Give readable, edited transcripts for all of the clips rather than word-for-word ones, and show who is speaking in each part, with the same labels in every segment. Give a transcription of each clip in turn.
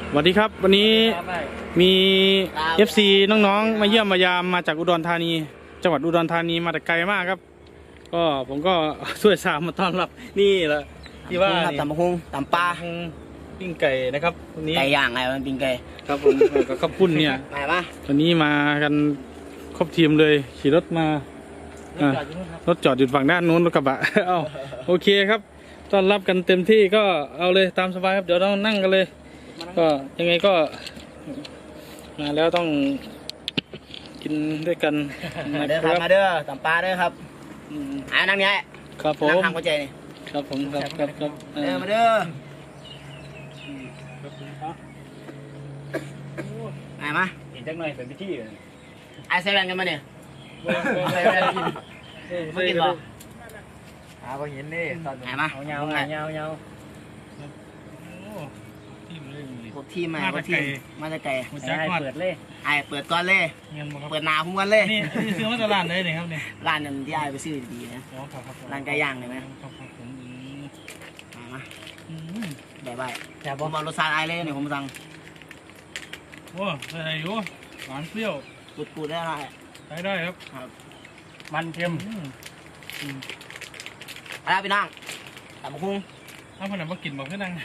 Speaker 1: สวัสดีครับวันนี้มี FC น้องๆมาเยี่ยมมายามมาจากอุดรธานีจังหวัดอุดรธานีมาแต่ไกลมากครับก็ผมก็ช่วยสามมาต้อนรับนี่แหละที่ว่า
Speaker 2: ตำบักหุ่งตำปลา
Speaker 1: ปิ้งไก่นะครับวันนี้
Speaker 2: ไก่ย่างไงมันปิ้งไก่
Speaker 1: ครับผมกับข้าวปุ้นเนี่ยวันนี้มากันครบทีมเลยขี่รถมารถจอดอยู่ฝั่งด้านนู้นรถกระบะเอ้าโอเคครับต้อนรับกันเต็มที่ก็เอาเลยตามสบายครับเดี๋ยวเรานั่งกันเลยก็ยังไงก็มาแล้วต้องกินด้วยกัน
Speaker 2: นะครับมาเด้อตำปลาเด้อครับนั่งนี้
Speaker 1: ครับผม
Speaker 2: นั่งทางหัวใจนี่
Speaker 1: ครับผมครับ
Speaker 2: มาเด้อไอ้มา
Speaker 3: อีกจังหน่อยเป็นพิธี
Speaker 2: ไอ้ใส่แว่นกันมาเนี่ยใส่แว่นกินไม่กินหรอ
Speaker 3: พอเห็นนี่ตอน
Speaker 2: ไอ้มา
Speaker 3: เงา
Speaker 2: พวกทีมมาพวกทีมมาจะไก่
Speaker 3: เปิดเลย
Speaker 2: ไอ้เปิดก่อนเลยเปิดหนาผมก่อนเลย
Speaker 1: นี่ซื้อมาจากร้านเลยเนี่ยครับเนี่ย
Speaker 2: ร้านนั้นที่ไอ้ไปซื้อดีนะร้านไก่ย่างเลยไหมมาใบแต่ผมเอารสชาติไอ้เลยเนี่ยผมสั่ง
Speaker 1: ว้าอะไรอยู่หวานเปรี้ยว
Speaker 2: กูดได้
Speaker 1: ได้ครับ
Speaker 3: มันเค็ม
Speaker 2: อะไรพี่น้องตำบักหุ่ง
Speaker 1: ถ้าคนไหนมากินบอกให้นั่ง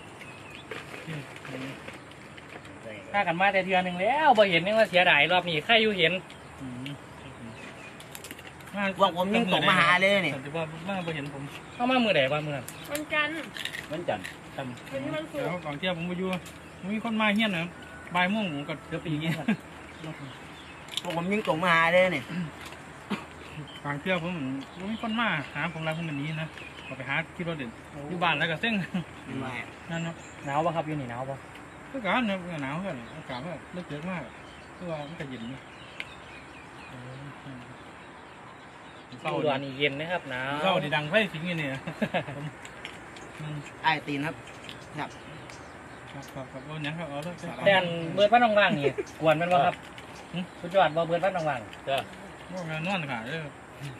Speaker 3: ถ้ากันมาแต่เดือนหนึ่งแล้วบ่เห็นนี่ว่าเสียดายรอบนี้ใครอยู่เห็น
Speaker 2: ว่างผมยิ่งตกมาหาเลยนี่
Speaker 1: แต่ว่ามาบ่เห็นผม
Speaker 3: เข้ามามือไหนบ้างมือนั้น
Speaker 4: วันจันทร์
Speaker 3: วันจันทร์
Speaker 4: วันนี้วันศุกร์
Speaker 1: แล้วก่อนเที่ยวผมไปอยู่มีคนมาเฮี้ยนนะบ่ายโมงผมก็เกือบปีนี้
Speaker 2: ผมยิ่งตกมาหาเลยนี่
Speaker 1: ก่อนเที่ยวผมมีคนมาหาผมแล้วผมแบบนี้นะก็ไปหาที่รถเด็ดอยู่บ้านแล้วก็เส้นนั่นนะ
Speaker 3: หนาวป่ะครับอยู่นี่หนาวป่ะ
Speaker 1: ก็การนะหนาวกันอากาศก็เลือดเยอะมากคือว่ามันก็เย็นนี่
Speaker 3: อุดรนี่เย็นนะครับหนาว
Speaker 1: เข้าดีดังไฟสิงอย่างนี้
Speaker 2: ไอ้ตีนครับ
Speaker 1: ครับโอ้ยครับเอา
Speaker 3: แต่เบิร์ดพัดว่างๆนี่กวนมันป่ะครับสุดยอดบ่เบิร์ดพัดว่าง
Speaker 1: ๆเจ้าโอ้ยนอนขาเลย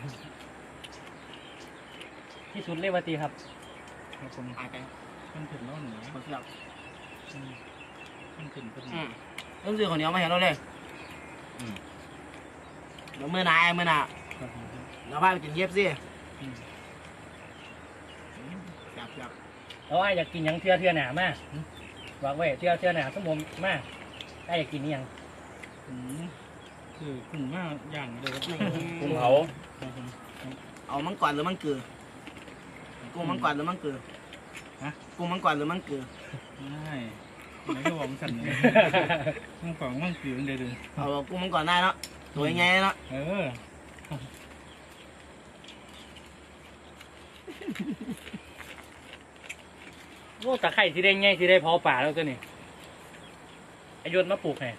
Speaker 3: ที่สุดเลยวตีครับ
Speaker 1: ผมหายไปมันถึงแล้วหนู
Speaker 2: เขาเสียบ
Speaker 1: มันถึง
Speaker 2: ต้องซื้อคนเดียวมาเห็นเราเลยเดี๋ยวเมื่อไหร่เราพาไปกินเย็บสิ
Speaker 3: เราอยากกินยังเทื่อหนามาบอกไว้เทื่อหนาสมมติมาอยากกินนี่ยัง
Speaker 1: คือกุ้งมากอย่างเดียว
Speaker 3: กุ้งเผา
Speaker 2: เอามังกรหรือมังกือกุ้งมังกรหรือมังกือกุ้งมังกรหรือมังกือ
Speaker 1: ไม่ไม่ก็บอกสั่นมังกรมังกือเดือด
Speaker 2: เอากุ้งมังกรได้เนาะตัวยังไงเนาะ
Speaker 3: โอ้ตะไคร้ที่ได้ง่ายที่ได้พอป่าแล้วตัวนี้อายุมาปลูกไง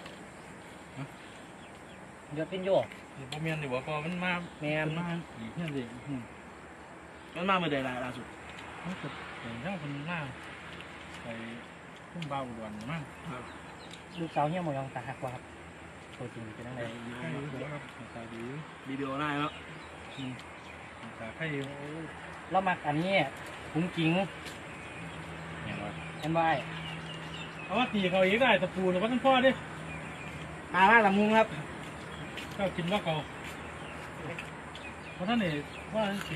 Speaker 3: ยศเป็นโยก
Speaker 1: พอเมียนดีกว่าพอมันมา
Speaker 3: เมียน
Speaker 1: มาอีกเนี่ยสิ
Speaker 2: มันมาเมื่อใดล่าสุด
Speaker 1: มันเกิดเห็นช่างคนมากไปพุ่งเบาด่วนมาก
Speaker 3: ลูกสาวเนี่ยมองตาหักว่าครับตัวจริงเป็นอะไร
Speaker 1: ครับตาดี
Speaker 2: วิดีโอได้แล้ว
Speaker 1: ตาไข่
Speaker 3: แล้วมักอันนี้กุ้งกิ้งเห็นไหม
Speaker 1: เอาว่าตีเขาอีกได้ตะปูหรือว่าต้องพ่อดิ
Speaker 2: มาลำมุงครับ
Speaker 1: ก็กินว่าเขาเพราะท่านเอกว่าสี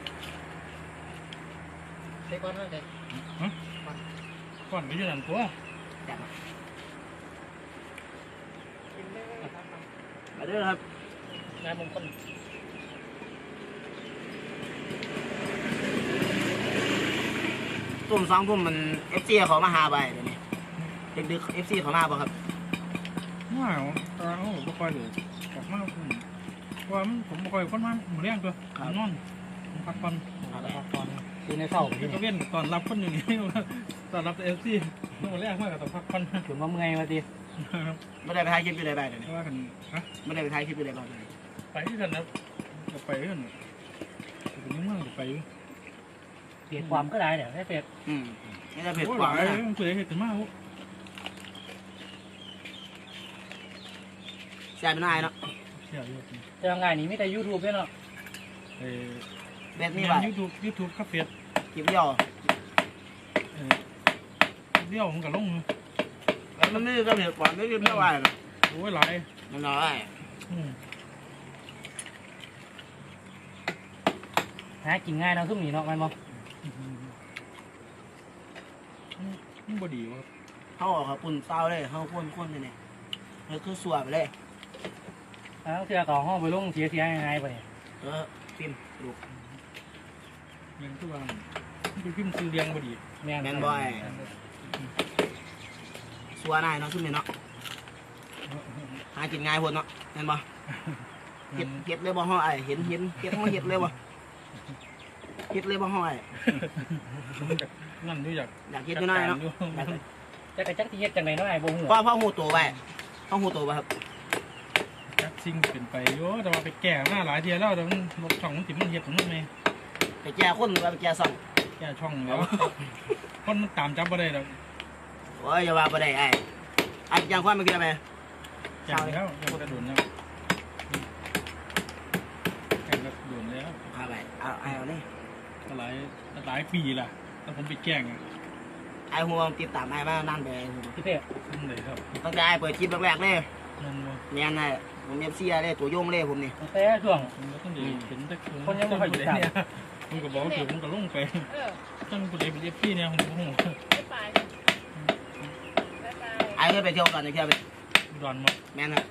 Speaker 3: ใส่ก้อนนั่นเลย
Speaker 1: ก้อนไม่ยืนหนังตัว
Speaker 2: มาเด้อครับ
Speaker 3: งานมงคล
Speaker 2: ตุ่ม2 ทุ่มมันFC เขามาหาไปเดี๋ยวนี้ดึกๆ FC เขามาบ่ครับ
Speaker 1: ว้าวเราไม่ค่อยเลยกลับมาว่าผมไม่ค่อยคนมาหมูเลี้ยงตัวนอนพักผ่อน
Speaker 3: คือในเศร้า
Speaker 1: ที่เขาเว้นตอนรับคนอยู่นี่ตอนรับเอฟซีหมูเลี้ยงมากกับตอนพักผ่อน
Speaker 3: ถึงว่าเมื่อยมาดิ
Speaker 2: ไม่ได้ไปถ่ายคลิปอยู่ใดบ้างเลย
Speaker 1: ว่ากัน
Speaker 2: ไม่ได้ไปถ่ายคลิปอยู่ใดบ้าง
Speaker 1: ไปที่กันนะไปกันเป็นยังไงไป
Speaker 3: เปลี่ยนความก็ได้เดี๋ยวให้เปลี่ยน
Speaker 2: นี่จะเปลี่ยนความ
Speaker 1: เลยเปลี่ยนเหตุมาก
Speaker 2: แซ่บเป็นไงเนาะ
Speaker 3: จะยังไงนี่ไม่แต่ YouTube ด้วยเนาะ
Speaker 2: เบ็ดนี่ป่ะ
Speaker 1: YouTube ครับเฟียด
Speaker 2: คลิปเดียว
Speaker 1: ผมกับลง
Speaker 2: มันไม่ก็เผ็ดกว่าไม่กินไม่ไหวหรอก
Speaker 1: โอ้ยหลาย
Speaker 2: มันน้อย
Speaker 3: หากินง่ายเนาะซุ่มนี่เนาะแม่นบ่
Speaker 1: มันบ่ดีวะ
Speaker 2: เขาออกเขาปุ่นเต้าเลยเขาข้นๆเลยเนี่ยแล้วคือสวบเลย
Speaker 3: แล้วเทื่อก็ห้องไปลงเสียหายไปเนี่ย
Speaker 2: พิมดู
Speaker 1: ยังคือว่ามันเป็นพิมพ์ซื้อเรียงบ่ดี
Speaker 3: แม่น
Speaker 2: แมนบอยสัวนายเนาะซุ่มนี่เนาะหากินง่ายพนเนาะแมนบ่เฮ็ดเลยบ่ห้อไอเห็นเฮ็ดห้อเฮ็ดเลยบ่เฮ็ดเลยบ่ห้อไอ
Speaker 1: นั่นอยู่อยาก
Speaker 2: อยากเฮ็ดอยู่หน่อยเนาะ
Speaker 3: จักที่เฮ็ดจังได๋เนาะไอ้บ่ฮู้
Speaker 2: พ่อหูตัวไปพ่อหูตัวไปครับ
Speaker 1: จักสิ่งเป็นไปโยแต่ว่าไปแก้มาหลายเทียแล้วแต่มันลบช่องมันติดมันเฮ็ดของมันไหม
Speaker 2: ไปแก่คนหรือว่าไปแก่ซ่อง
Speaker 1: แก้ช่องแล้วคนมันตามจับบ่ได้ดอก
Speaker 2: โอ้ยอย่าว่าบ่ได้ไอ้อันยังความไม่คิดอะไร
Speaker 1: แก้แล้วยังกระโดดแล้วแก้แล้วโดนแล้ว
Speaker 2: เอาไปเอาเลย
Speaker 1: หลายปีล่ะแล้วผมไปแกล้ง
Speaker 2: ไอ้หัวติดตามไอ้มานั่นไป
Speaker 3: พี่เต้
Speaker 1: นั่นเลยครับ
Speaker 2: ตั้งแต่ไอ้เปิดคลิปแรกๆเลย
Speaker 1: นั่นว่า
Speaker 2: เนียนไอ้ผมเอฟซีเลยตัวโยงเลยผมนี่
Speaker 3: แต่ช่วง
Speaker 1: ผมก็ต้องดีเห็นแต่
Speaker 3: คนยังไม่ค่อยรู้จัก
Speaker 1: เนี่ยมึงก็บอกถึงมึงก็ลงไป
Speaker 4: เออ
Speaker 1: ตั้งกูเลยเป็นเอฟพี่เนี่ยผมก็งง
Speaker 4: ไม่ไปไม่ไป
Speaker 2: ไอ้เคยไปเที่ยวกันจะเที่ยวไป
Speaker 1: ดอนมา
Speaker 2: แม่นครับ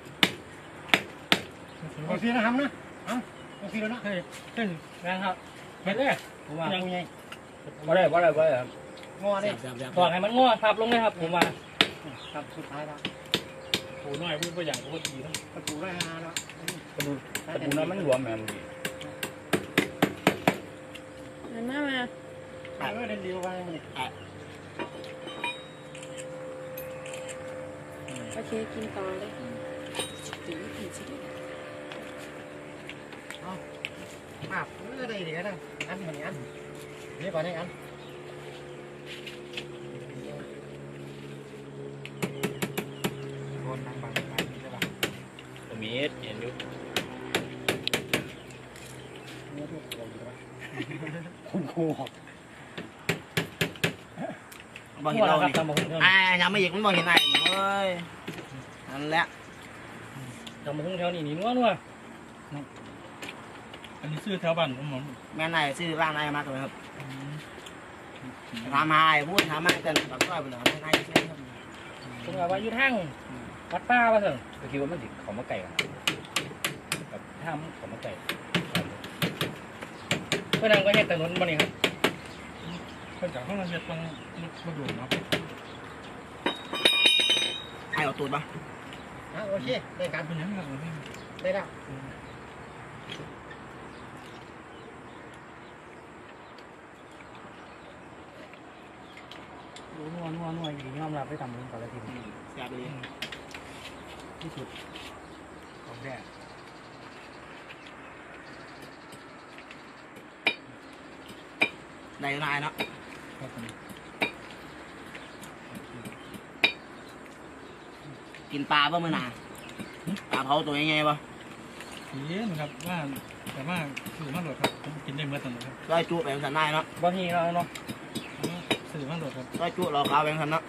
Speaker 3: โอเคนะครับนะโอเคแล้วนะ
Speaker 1: เฮ้ย
Speaker 3: งานครับเฮ็ดเลยผมว่าผู้ใหญ่บ่ได้ครับงอนี่ตอกให้มันงอทับลงเลยครับผมว่าครับสุดท้ายแล้ว
Speaker 1: โอ้น้อยพูดไปอย่างก็ดีทั้ง
Speaker 3: ประตูได้ฮาแล้ว
Speaker 5: ตะปูนั้นมันรวมแม่ม
Speaker 4: มา
Speaker 3: เดินเดียวไปนี่
Speaker 4: โอเคกินต่อเลย
Speaker 3: มาเรื่อยๆเดี๋ยวนะอันเหมือนอันนี่ก่อนนี่อัน
Speaker 1: คนนั่งบังใช่ป่ะ
Speaker 5: มีเห็นอยู่
Speaker 3: คุณครูหอก
Speaker 2: บอกเห็นเรา
Speaker 3: ครับ
Speaker 2: นี่
Speaker 3: ตำบักหุ่ง
Speaker 2: ไอ้ยังไม่หยิกมันบอกเห็นไอ้เฮ้ยนั่นแหละ
Speaker 3: ตำบักหุ่งแถวนี้นี่นัว
Speaker 1: อันนี้ซื้อแถวบ้านผม
Speaker 2: แม่นไอ้ซื้อร้านไอ้มากเลยครับถามหาไอ้พูดถามมากันแบบก็ไปเลยไม่ไอ้ซื้อครับ
Speaker 3: ผมว่าอยู่ทางวัดป้าว่าซั่น
Speaker 5: ก็คิดว่ามันสิเขามาไก่กันกับถ้ามันเขามาไก่
Speaker 3: เพื่อนนั่งก็เฮ็ดถนนบ่นี่ครับ
Speaker 1: ก็จากข้างล่างจะต้องมาดูเนาะ
Speaker 2: ไอ้เอาตูดปะ
Speaker 3: โอเคได้การ
Speaker 1: เป็นยังไง
Speaker 3: ได้แล้วนัวอยู่ยอมรับได้ทำบุญกับอะไรที
Speaker 2: แซ่บเลย
Speaker 3: ที่สุดของแท้
Speaker 2: ได้นายเนาะ
Speaker 1: ครับผม
Speaker 2: กินปลาป่ะมื่อนาปลาเผาตัวใหญ่ๆป่ะ
Speaker 1: เย็นครับว่าแต่ว่าสื่อมาโหลดครับผมกินได้เมื่อตอนครับ
Speaker 2: ร้อยจุแบ่งสันนายเนาะ
Speaker 3: บางทีเราเนาะ
Speaker 1: สื่อมาโหลดครับ
Speaker 2: ร้อยจุเราขาวแบ่งสันเนาะ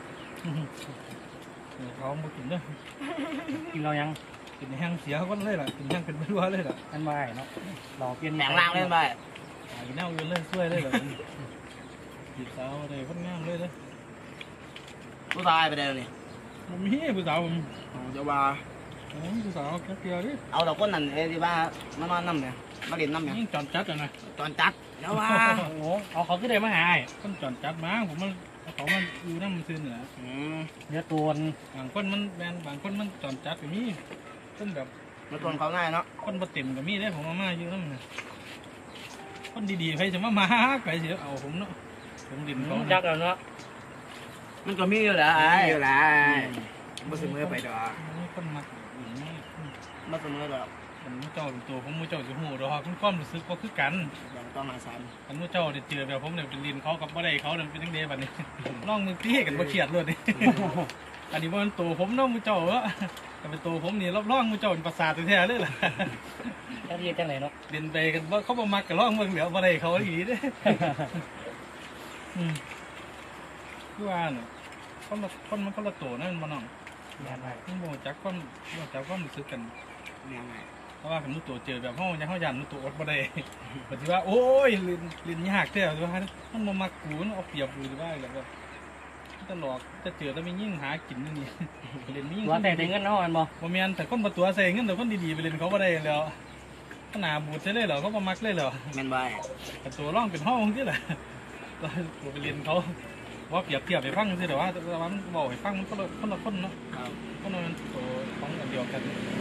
Speaker 1: เขามากินเด้อ
Speaker 3: กินเรายัง
Speaker 1: กินแห้งเสียก็เลยล่ะกินแห้งเป็นไม่รู้เลยล่ะ
Speaker 3: อันไม่เนาะเราเปลี่ยน
Speaker 2: แบ่งล่างเล่นไป
Speaker 1: กินแนวยืนเลยช่วยเลยล่ะจีบสาวเลยคนงามเลยเด้อ
Speaker 2: ผู้ชายไปเดินนี่
Speaker 1: มันมีผู้สาวผม
Speaker 2: จะว่า
Speaker 1: ผู้สาวแค่เดียวดิ
Speaker 2: เอาดอกก้นนั่นเอ้ที่ว่ามานอนน้ำเนี่ยมาเล่นน้ำเนี่ย
Speaker 1: ยิ่งจอนจัดอ่ะนะ
Speaker 2: ตอนจัดเดี๋ยวว่า
Speaker 3: โอ้โหเอาเขาขึ้นเลยมาหา
Speaker 1: คนจอนจัดมาผมมันเขามันอยู่น้ำมันซื้อเหนือ
Speaker 3: เนื้อตัว
Speaker 1: บางคนมันแบนบางคนมันจอนจัดก็มีคนแบบ
Speaker 2: มาตวนเขาง่ายเนาะ
Speaker 1: คนบ่เต็มก็มีได้ผมมาอยู่น้ำเนี่ยคนดีๆใครจะมาใครจะเอาผมเนาะผมดินเขา
Speaker 3: ยักษ์แล้วเนาะ
Speaker 2: มันก็มีอยู่แหละไอ้อยู่แหละมาเสมอไปดอก
Speaker 1: คนมักอย่างนี้
Speaker 2: มาเสมอดอก
Speaker 1: ผมมือเจ้าเป็นตัวผมมือเจ้าจะหูดอกคุณความรู้สึกก็คือกัน
Speaker 2: อย่างต้องมาซ้
Speaker 1: อันมือเจ้าได้เจอแบบผมเนี่ยเป็นดินเขากับบ่ได้เขาเนี่ยเป็นยังไงบัดนี้ ลองมือตีกันบ่เครียดเลยนี่ อันนี้มันตัวผมเนาะมือเจ้าเหรอแต่เป็นตัวผมนี่รอบร่องมือเจ้าเป็นประสาทแท้ๆเลยล่ะ
Speaker 3: ยักษ์จังไหนเนาะ
Speaker 1: เดินไปกันว่าเขาบ่มักกับร่องเมืองเหลือบ่ได้เขาอีกเด้คือว่าน่ะคนมันคนละตัวนั่นมันน้อง
Speaker 3: แม่นไป
Speaker 1: มันโมจักความรู้สึกกัน
Speaker 2: แม่นไง
Speaker 1: เพราะว่าผมรู้ตัวเจอแบบห้องยังห้องยันรู้ตัวอดบ่ได้ปฏิว่าโอ้ยลินยากแท้แต่ว่ามันมากูมันเอาเปรียบกูหรือว่าอะไรแบบตลอดจะเจอแต่ไม่ยิ่งหากินนี่เล่นไม่ยิ่ง
Speaker 3: ตัวแต่ได้เงินเนาะมันบ่
Speaker 1: บ่แม่นแต่คนบ่ตัวใส่เงินแต่คนดีๆไปเล่นเขาบ่ได้แล้วขนาดบูดใช่เลยเหรอเขาบ่มักเลยเหรอ
Speaker 2: แม่นบ่ไอ้
Speaker 1: แต่ตัวร่องเป็นห้องที่แหละตัวไปเรียนเขาว่าเปรียบเทียบไปฟังสิแต่ว่ามันบอกให้ฟังมันคนละคนเนาะ
Speaker 2: ครับ
Speaker 1: คนละตัวของอันเดียวกัน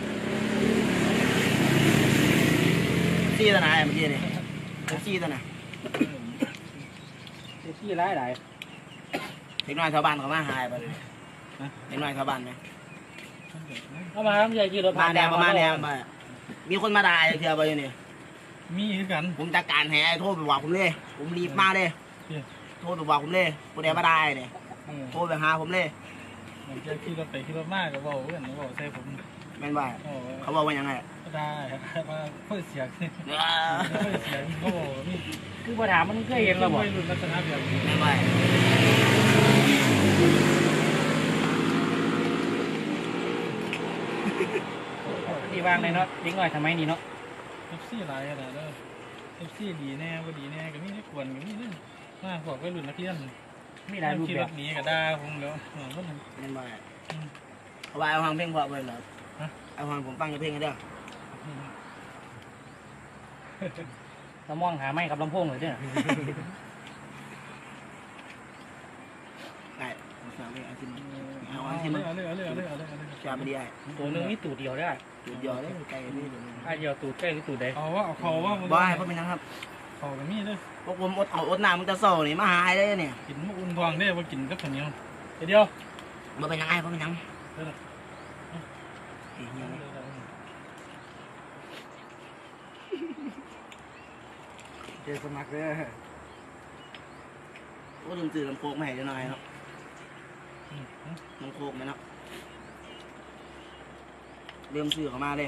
Speaker 2: ซี่ตัวไหนเมื่อกี้นี่ซี่ตัวไหน
Speaker 3: ที่หลายหลาย
Speaker 2: เด็กน้อยชาวบ้านเขามาหายไปเลยเด็กน้อยชาวบ้านไหม
Speaker 3: เอามาครับใหญ่ขี่รถ
Speaker 2: มาแดงประมาณแดงไปมีคนมาด่าเที่ยวไปอยู่นี่
Speaker 1: มีคือกัน
Speaker 2: ผมจัดการแห่โทรไปบอกผมเลยผมรีบมาเลยโทรไปบอกผมเลยผู้ใดมาด่าเนี่ยโทรไปหาผมเลย
Speaker 1: มันจะขี่รถไปขี่รถมากก็บอกเพื่อนบอกใส่ผม
Speaker 2: แม่นบ่
Speaker 1: โอ้
Speaker 2: เขาบอกว่ายังไง
Speaker 1: ก็ได้ว่าเพื่อเสียง
Speaker 2: แม่
Speaker 1: เพื่อเสียงเขาบอกนี่
Speaker 3: คือปัญหามันเคยเห็นแล้วบ่
Speaker 1: ไม่รุนลักษณะแบบนี้
Speaker 2: นบ่
Speaker 3: ที่วางเลยเนาะเด็กน้อยทำไมนี่เนาะ
Speaker 1: เอฟซีหลายขนาดนั้นเอฟซีดีแน่ว่าดีแน่ก็มีได้ควรก็มีเรื่องมากกว่าวัยรุ่นนักเรียน
Speaker 3: มีหลายรูป
Speaker 1: ขี่
Speaker 3: แบ
Speaker 1: ร
Speaker 3: บ
Speaker 1: ถหนีก็ได้ผมแล้วก็มัน
Speaker 2: แม่นบ่เอาไว้เอาฟังเพลงเพราะเบิ่งเหรอเอาฟังผมฟังเพลงกันเด้อ
Speaker 3: เรามองหาไม้กับลำโพงเลยเด้อ
Speaker 2: ไอ้ผมฟังเพลงเอาขึ้นเอา
Speaker 1: เอา
Speaker 2: อัน
Speaker 1: เล
Speaker 2: ที่มัน
Speaker 1: ยเอาเลยเอาเลยเอาเลยเอาเลย
Speaker 2: ชาบดีไอ้
Speaker 3: ตัวหนึงนี่ตูดเดียวได้
Speaker 2: จุดยอดเลยไกลนี่
Speaker 3: อ่ะเดียวตูดใกล้หรือตูดใด
Speaker 1: เอาว่าเอาเขาว่า
Speaker 2: บ่ให้เพราะเป็นยังครับ
Speaker 1: เขาก็มีเลย
Speaker 2: พวกผมอดน้ำมันจะโซ่นี่มาหายเลยเนี่ย
Speaker 1: กินมะอุ่นทองได้ว่ากินกับข้าวเหนียวเดียว
Speaker 2: บ่เป็นยังไงเพราะเป็นยังเจอสมัครเลยโอ้ลืมซื้อลำโพงมาให้หน่อยเนาะลำโพงไหมเนาะลืมซื้อเข้ามาเลย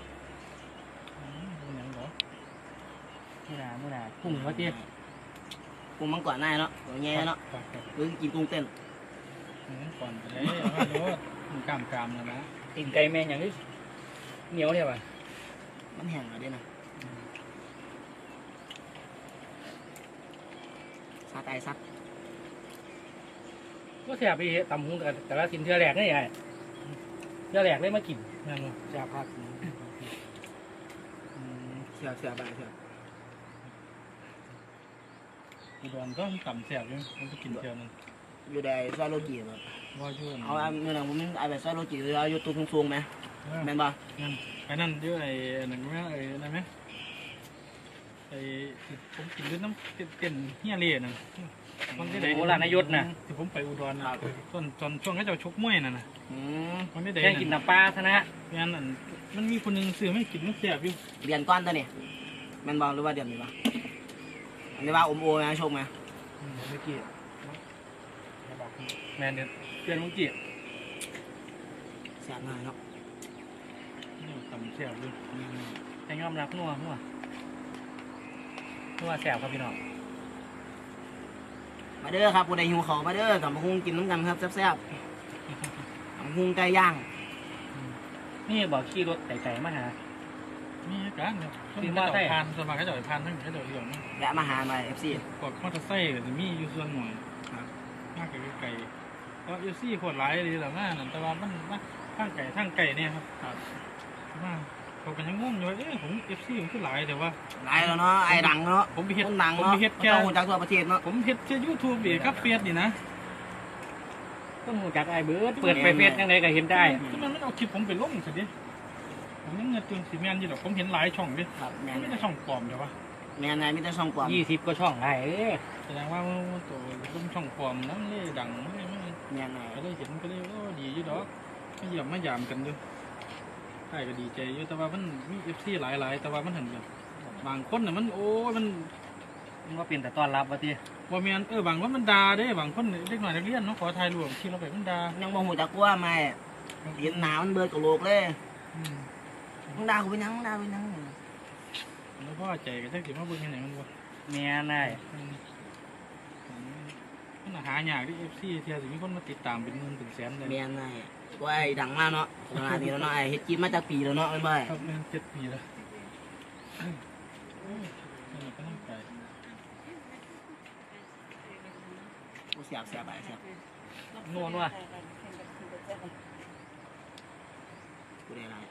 Speaker 1: ยังเหรอ
Speaker 3: มื่อหนาพุ่งว่าเตี้ย
Speaker 2: กุ้งมังกรหน้าเนาะตัวแง่เนาะหรือกินกุ้งเต้น
Speaker 1: ก่อนไปเลยว่าดูกามแล้วนะ
Speaker 3: ตีนไก่แมงอย่างนี้เหนียวเนี่ยป่ะ
Speaker 2: มันแห้งอะไรนะซาไตซัด
Speaker 3: ก็แสบไปตำหุ้งแต่ละสินเทือแหลกนี่ไงเทือแหลกเลยมากิน
Speaker 1: นั่นวะ
Speaker 3: แสบพัก
Speaker 2: เสียบไปเสียบ
Speaker 1: อุดรต้องต่ำแสบเลยมันจะกินเทียวนึง
Speaker 2: อยู่ในซอยโลจิแบบ
Speaker 1: ว่าช่วย
Speaker 2: เอาเมื่อไหร่ผมเอาแบบซอยโลจิหรือเอาอยู่ตู้สูงๆไหมแม่นบ่
Speaker 1: นั่นไอ้นั่นเดี๋ยวไอ้นั่นไหมไอ้นั่นไหมไอ้ผมกินด้วยน้ำเต้นเฮียเล่น่ะ
Speaker 3: โบราณนายศน่ะ
Speaker 1: ที่ผมไปอุดรนะตอนช่วงให้เจ้าชกมวยน่ะนะ
Speaker 2: อืม
Speaker 1: มันไม่ได้
Speaker 3: แค่กินน้ำปลาชนะ
Speaker 1: งั้นอันมันมีคนหนึ่งซื้อไม่กินมันแสบอยู่
Speaker 2: เรียนก้อนตัวนี่แม่นบ่หรือว่าเดือนนี้บ่อันนี้ว่าอมโอนะชมไหม
Speaker 1: เมื่อกี้
Speaker 3: แมนเดือนเดือนมุงจี
Speaker 2: แซ่บหน่อยเนาะ
Speaker 1: ต่ำแสบอยู่
Speaker 3: แต่ยอมรับนัวแสบครับพี่น้อง
Speaker 2: มาเด้อครับผู้ใดหิวข้าวมาเด้อกับมะฮุงกินน้ำกันครับแซ่บๆมะฮุงไก่ย่าง
Speaker 3: นี่บอกขี่รถไต่มาหา
Speaker 1: มีการเนี่ยต้องให้เจ้าพานสมัครให้เจ้าพานทั้งให้เจ้าเรื่องนะ
Speaker 2: และมาหามา FC
Speaker 1: กดมอเตอร์ไซค์ก็จะมีอยู่ส่วนหน่อยครับมากไก่ก็เอฟซีขวดหลายเลยหลังหน้านั่นแต่ว่ามันทั้งไก่เนี่ยครับครับมาเขากันยังงงอยู่ว่าผมเอฟซีผมคือหลายแต่ว่า
Speaker 2: หลายแล้วเนาะไอ้ดังเนาะ
Speaker 1: ผมไปเฮ็ด
Speaker 2: คนดัง
Speaker 1: ผม
Speaker 2: เนาะ
Speaker 1: ไปเฮ็ดแค่
Speaker 2: ต้องรู้จักทั่วประเทศเนาะ
Speaker 1: ผมเฮ็ดแค่ยูทูบเองครับเฟียดนี่นะ
Speaker 3: ต้องหูจักไอ้เบิร์ดเปิดไปเฟซยังไงก็เห็นได้
Speaker 1: ที่มันไม่เอาคลิปผมไปลงสิดิผมยังเงินจนสีแมนอยู่หรอกผมเห็นหลายช่องดิ
Speaker 2: ครับแม่
Speaker 1: ไม่
Speaker 2: น
Speaker 1: ได้ช่องปลอมเดี๋ยววะ
Speaker 2: แม่นมีแต่ช่องปลอม
Speaker 3: 20ก็ช่องไอ้
Speaker 1: แสดงว่าตัวต้มช่องปลอมนั่นเลยดังไม่
Speaker 2: แม่นไหน
Speaker 1: ก็เลยเห็นก็เลยก็ดีอยู่ดอกไม่ยอมไม่ยามกันอยู่ใช่ก็ดีใจอยู่แต่ว่ามันมีเอฟซีหลายแต่ว่ามันเห็นแบบบางคนน่ะมันโอ้มัน
Speaker 3: มันก็เป็นแต่ต้อนรับว่าที่
Speaker 1: ว่าเมียนบางคนมันด่าเด้บางคนเด็กหน่อยนักเรียนเนาะขอถ่ายรูปที่เราไปมันด่า
Speaker 2: ยังบ่ฮู้จักว่าไม่เห็นหนามันเบิดกับโลกเลยมึงด่ากูเป็นหยังมึงด่ากูเป็นหยัง
Speaker 1: แล้วพ่อใจก็จะเก็บมาเบิ่งยังไงมันวะ
Speaker 3: แม่นได้
Speaker 1: มันหายากที่ FC เที่ยวสิมีคนมาติดตามเป็นหมื่นเป็นแสนเลย
Speaker 2: เมียนไงว่าไอ้ดังมากเนาะขนาดนี้แล้วเนาะไอ้เฮ็ดกินมาจากปีแล้วเนาะไม่บ่
Speaker 1: ครับแม่น7 ปีแล้วนี่ก็ต้องใจ
Speaker 2: กูเสียบไปเสียบ
Speaker 3: นวลว่ะ
Speaker 2: กูได้ไร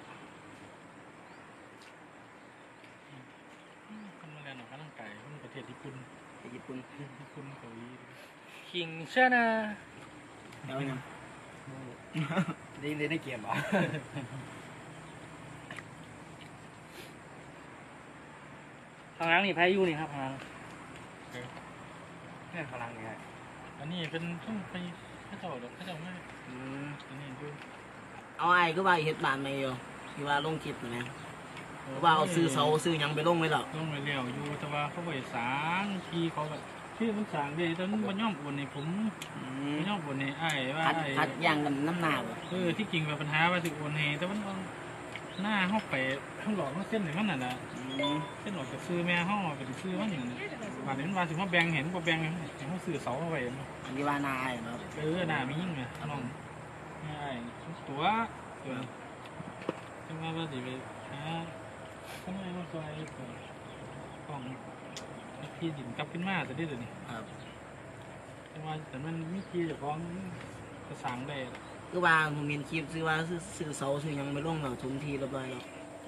Speaker 1: คนมาเรียนออกกำลังกายคนประเทศญี่ปุ่น
Speaker 2: ไปญี่ปุ่น
Speaker 1: เกาหลี
Speaker 3: คิงชนะ
Speaker 2: แล้วยัง
Speaker 5: ได้เกมเหรอ
Speaker 3: ทางนั้นนี่แพ้ยูนี่ครับทางนั้น
Speaker 5: แค่พลังไง
Speaker 1: อันนี้เป็นต้องไปข้าเจ้าดอกข้าเจ้าไม่
Speaker 2: อืม
Speaker 1: อันนี้ดู
Speaker 2: เอาไอ้ก็ว่าเฮ็ดบ้านไม่อยู่ที่ว่าลงคลิปนะก็ว่าเอาซื้อเสาซื้อหยังไปลงไว้หรอก
Speaker 1: ลงไปเลี้ยวอยู่แต่ว่าเขาไปสางทีเขาแบบชื่อมันสางเดีแต่มันบ่ย่อมโอนในผมบ่ย่อมโอนในไอ้ว่า
Speaker 2: คัดย่างกันน้ำหนาบ่
Speaker 1: ที่จริงแบบปัญหาว่าสิโอนให้แต่มันเอาหน้าห้องไปข้างหลอกมันเส้นไหนมันน่ะนะเส้นหลอกจะซื้อแม่ห้องไปซื้อมันอย่างนั้นบาดนี้มันว่าสิว่าแบ่งเห็นบ่แบ่งเขาซื้อเสาเอาไว้
Speaker 2: อันนี้ว่านาไอ้เนาะ
Speaker 1: หน้ามียิ่งไงน้องไม่ไอ้ตัวจังว่าสิไปหาทำไมมาซอยของที่ดินกลับขึ้นมาแต่ที่เดี๋ยวนี้
Speaker 2: ครับ
Speaker 1: แต่มันมีที่จะฟ้องกระสังได้
Speaker 2: ก็ว่าผมเห็นคลิปซื้อว่าซื้อเสาซื้อหยังไปลงแล้วทุนทีเรียบร้อยแล้ว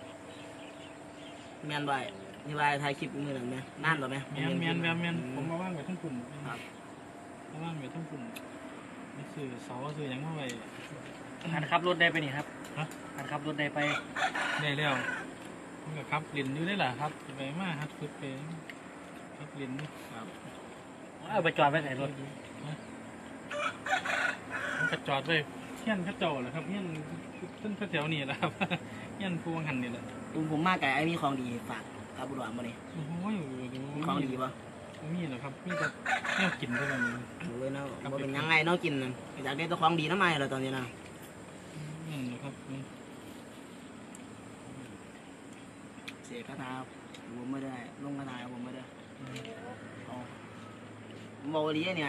Speaker 2: แม่นบ่นี่ว่าถ่ายคลิปมื้อนั้นแม่นานบ่แม่
Speaker 1: เมียนผมมาว่างไว้ทั้งคุณมาว่างไว้ทั้งคุณนี่สื่อเสาสื่อยังมาไว้
Speaker 3: หันขับรถได้ไปนี่ครับหันขับรถได้ไป
Speaker 1: ได้แล้วมันก็ขับเล่นอยู่ได้ล่ะครับไปมาฮัดฝึกไปขับเล่นนี่
Speaker 3: เอาไปจอดไว้ไหนรถ
Speaker 1: มันก็จอดไว้เฮี้ยนข้าเจ้าแหละครับเฮี้ยนต้นแถวนี่แหละครับเฮี้ยนพวงหันนี่แหละ
Speaker 2: ผมมาไกลไอ้มีของดีฝากกับบุรุษบ่นี่
Speaker 1: โอ้โห
Speaker 2: มีของดีบ่
Speaker 1: มีเหรอครับมีแต่แนวกินเท่านั้น
Speaker 2: โอ้ยเนาะบ่เป็นยังไงเนาะกินนั่นอยากได้ตัวของดีน้ำใหม่แล้วตอนนี้นะ
Speaker 1: นั่นเหรอครับ
Speaker 2: เสียคาถาผมไม่ได้ลงคาถาผมไม่ได้เอาโมลีเนี่ย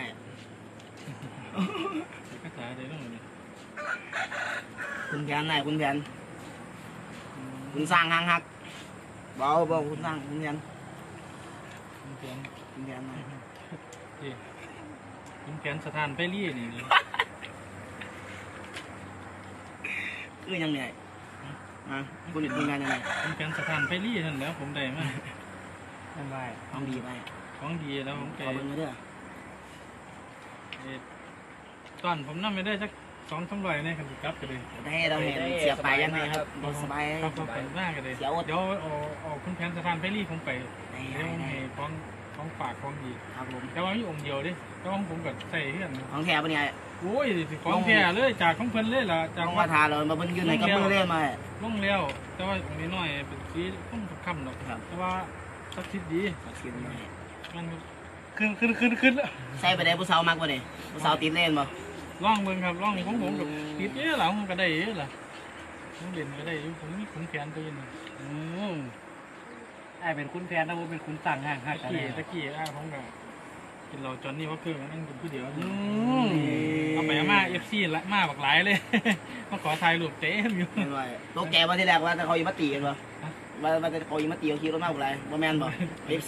Speaker 1: ภาษาอะไรบ้างเนี่ย
Speaker 2: คุณแผนไหนคุณแผนคุณสร้างหางหักเบาคุณสร้างคุณแผน
Speaker 1: คุณแผน
Speaker 2: คุณแผนไหน
Speaker 1: คุณแผนสถานไปรี่นี่
Speaker 2: คือยังไงคุณเห็นคุณงานยังไง
Speaker 1: คุณแผนสถานไปรี่นั่นแล้วผมได้มา
Speaker 3: นั่นไป
Speaker 2: ของดีไป
Speaker 1: ของดีแล้วผมแก
Speaker 2: ขอเบิ่งมาเด้อ
Speaker 1: ตอนผมนั่งไม่ได้สัก200-300เนี่ยคันสิกลับกันเลย
Speaker 2: ได้เราเห็นเสียไปยังไงครับสบาย
Speaker 1: ครับมากกันเลยเดี๋ยวเอาคุณแผนสถานไปรี่ผมไป
Speaker 2: ได้
Speaker 1: เดี๋ยวให้ของฝากของดี
Speaker 2: ครับผม
Speaker 1: แต่ว่ามีองค์เดียวดิแต่ว่าผมก็ใส่เพื่อน
Speaker 2: ของแถวปะเนี่ย
Speaker 1: โอ้ยของแท้เลยจากของเพิ่นเลยล่ะจาก
Speaker 2: ของคาถาเรามาเบิ่งอยู่ในกับมือเล่นมา
Speaker 1: ลงแล้วแต่ว่าองค์นี้น้อยเป็นสีต้องค่ำดอกแต่ว่าสักทิศดี
Speaker 2: คิดหน่อย
Speaker 1: มัน
Speaker 3: ขึ้นแล้ว
Speaker 2: ใส่ไปได้ผู้สาวมากกว่านี่ผู้สาวติดเล่นบ่
Speaker 1: ร่องเบิ่งครับร่องของผมกับติดเยอะหล่ะผมก็ได้เยอะล่ะผมเด่นก็ได้อยู่ผมมีขุนแขนตัวนึง
Speaker 3: ไอ้เป็นคุณแฟนนะผมเป็นคุณสั่งห่างหัก
Speaker 1: ตะกี้ผมก็กินเราจอนนี่ว่าเครื่องนั่งกินผู้เดียวเอาไปมา FC ละมาบักหลายเลย มาขอถ่ายรูปเต็มอยู่
Speaker 2: เห็นว่าโลกแกว่าที่แรกว่าแต่เขาอยู่มาตีกันบ่ว่าแต่เขาอยู่มาตีเขาขี่รถมาบ่ไรบ่แม่นบ่เอฟซี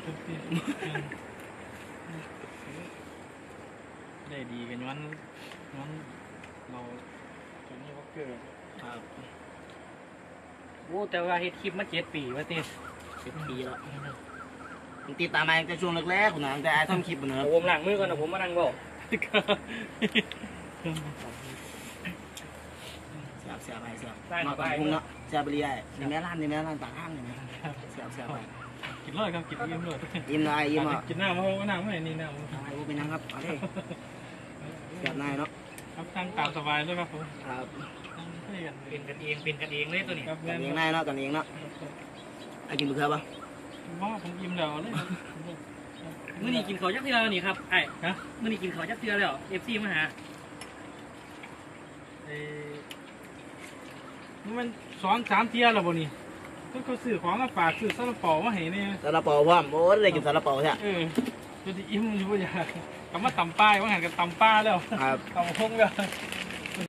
Speaker 1: ได้ดีกันย้อนเราจอนนี่ว่าเครื่อง
Speaker 2: ครับ
Speaker 3: โอ้แต่ว่าเฮ็ดคลิปมา7 ปีว่าติ
Speaker 2: 10 ปีแล้วผมติดตามมาตั้งแต่ช่วงแรกๆคุณนะตั้งแต่ไอ้ทำคลิปนะค
Speaker 3: เอา
Speaker 2: รับ
Speaker 3: ผมล้างมือก่อนนะผมมานั่งบอก
Speaker 2: เสียบไปเสียบมาก่อนพุ่งเนาะเสียบไปเรื่อยนี่แม่ร้านปากห้างนี่นะเสียบไป
Speaker 1: กินเลยครับกินอิ่มเลย
Speaker 2: ยิ้มหน่อยยิ้มอ่ะ
Speaker 1: กินน้ำเอาน้ำไม่นี่น้ำ
Speaker 2: ไอ้พวกเป็นยังครับเอาดิเสียบนายเนาะ
Speaker 1: ครับทางตามสบายเลยครับผม
Speaker 2: ครับ
Speaker 1: ให้กัน
Speaker 3: เป็นกันเองเลยตัวนี้
Speaker 1: ครับ
Speaker 2: กันเองนายเนาะกันเองเนาะไอ้กินบุกเขือปะ
Speaker 1: ว่าผมอิ่มแล้วเลย
Speaker 3: มื้อนี้กินข้าวยักษ์เทื่อแล้วนี่ครับไอ้ฮะมื้อนี้กินข้าวยักษ์เทื่อแล้ว FC มาหา
Speaker 1: มัน2-3เที่ยแล้วบ่นี่ก็ซื้อของมาฝากซื้อซาลาเปามาให้เนี่ย
Speaker 2: ซาลาเปาพร้อมโอ้ได้กินซาลาเปาใช่
Speaker 1: จะอิ่มอยู่บ่อยากคำว่าตำป้ายว่าหันกันตำป้าแล้ว
Speaker 2: ครับ
Speaker 1: ตำคงแล้ว